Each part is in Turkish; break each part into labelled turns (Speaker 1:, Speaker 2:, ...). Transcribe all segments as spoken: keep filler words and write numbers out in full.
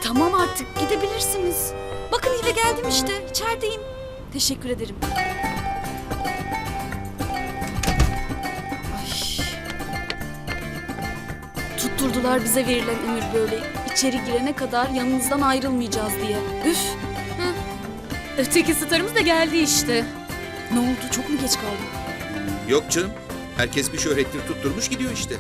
Speaker 1: Tamam artık gidebilirsiniz. Bakın eve geldim işte. İçerideyim. Teşekkür ederim. Ay. Tutturdular bize verilen emir böyle. İçeri girene kadar yanınızdan ayrılmayacağız diye. Üf.
Speaker 2: Hı. Öteki starımız da geldi işte.
Speaker 1: Ne oldu? Çok mu geç kaldım?
Speaker 3: Yok canım. Herkes bir şöhretini tutturmuş gidiyor işte.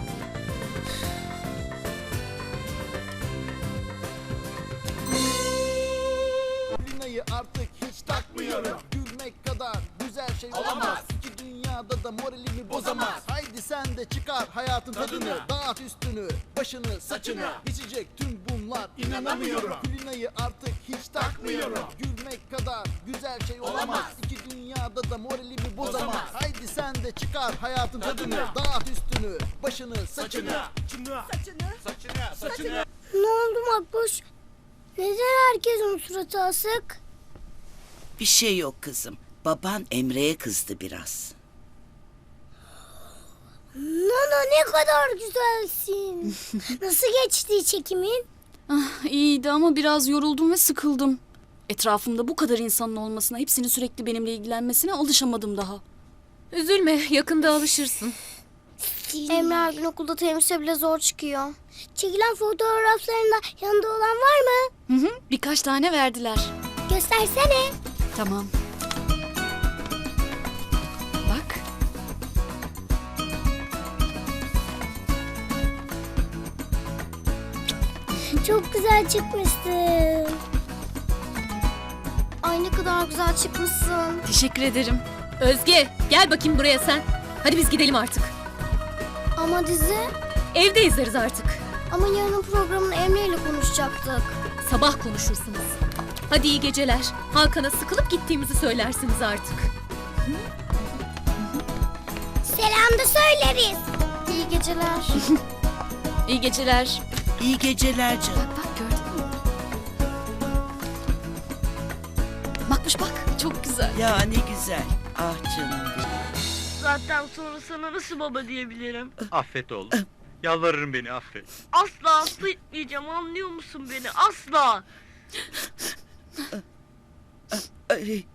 Speaker 4: Lina'yı artık hiç takmıyorum. Gülmek kadar güzel şey olamaz. İki dünyada da moralimi bozamaz. Haydi sen de çıkar hayatın tadını. Dağıt üstünü, başını, saçını. Geçecek tüm bunlar, inanamıyorum. Lina'yı artık hiç takmıyorum. Gülmek kadar güzel şey olamaz. İki dünyada da moralimi bozamaz. Haydi sen de çıkar hayatın tadını. Dağıt üstünü, başını, saçını.
Speaker 5: Ne oldu Makbuş? Neden herkesin suratı asık?
Speaker 6: Bir şey yok kızım. Baban Emre'ye kızdı biraz.
Speaker 5: Nana ne kadar güzelsin. Nasıl geçti çekimin?
Speaker 1: Ah, iyiydi ama biraz yoruldum ve sıkıldım. Etrafımda bu kadar insanın olmasına, hepsinin sürekli benimle ilgilenmesine alışamadım daha.
Speaker 2: Üzülme, yakında alışırsın.
Speaker 5: Emre her gün okulda temizse bile zor çıkıyor. Çekilen fotoğraflarında yanında olan var mı?
Speaker 1: Hı hı, birkaç tane verdiler.
Speaker 5: Göstersene.
Speaker 1: Tamam. Bak.
Speaker 5: Çok güzel çıkmışsın. Ay ne kadar güzel çıkmışsın.
Speaker 1: Teşekkür ederim.
Speaker 2: Özge, gel bakayım buraya sen. Hadi biz gidelim artık.
Speaker 5: Ama dizi?
Speaker 2: Evde izleriz artık.
Speaker 5: Ama yarının programını Emre ile konuşacaktık.
Speaker 2: Sabah konuşursunuz. Hadi iyi geceler. Hakan'a sıkılıp gittiğimizi söylersiniz artık.
Speaker 5: Selam da söyleriz. İyi geceler.
Speaker 1: İyi geceler.
Speaker 6: İyi geceler canım.
Speaker 1: Bak bak gördün mü? Bakmış bak çok güzel.
Speaker 6: Ya ne güzel. Ah canım benim.
Speaker 7: Zaten sonra sana nasıl baba diyebilirim?
Speaker 8: Affet oğlum. Yalvarırım beni affet.
Speaker 7: Asla affetmeyeceğim, anlıyor musun beni? Asla.
Speaker 6: Ay.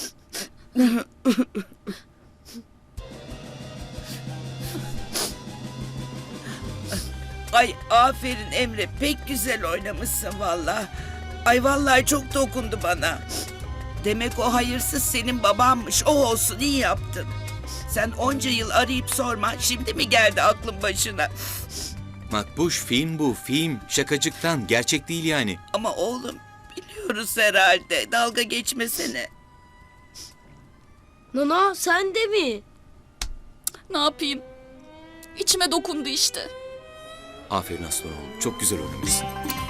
Speaker 6: Ay aferin Emre. Pek güzel oynamışsın vallahi. Ay vallahi çok dokundu bana. Demek o hayırsız senin babanmış. O olsun iyi yaptın. Sen onca yıl arayıp sorma. Şimdi mi geldi aklın başına?
Speaker 3: Makbuş film bu film. Şakacıktan gerçek değil yani.
Speaker 6: Ama oğlum biliyoruz herhalde. Dalga geçmesene.
Speaker 7: Nana sen de mi?
Speaker 1: Ne yapayım? İçime dokundu işte.
Speaker 3: Aferin aslan oğlum. Çok güzel oynamışsın.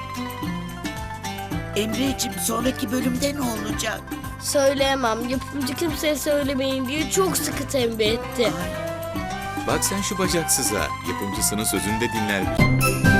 Speaker 6: Emreciğim sonraki bölümde ne olacak?
Speaker 7: Söyleyemem. Yapımcı kimseye söylemeyin diye çok sıkı tembih etti.
Speaker 3: Bak sen şu bacaksıza. Yapımcısının sözünü de dinler bir.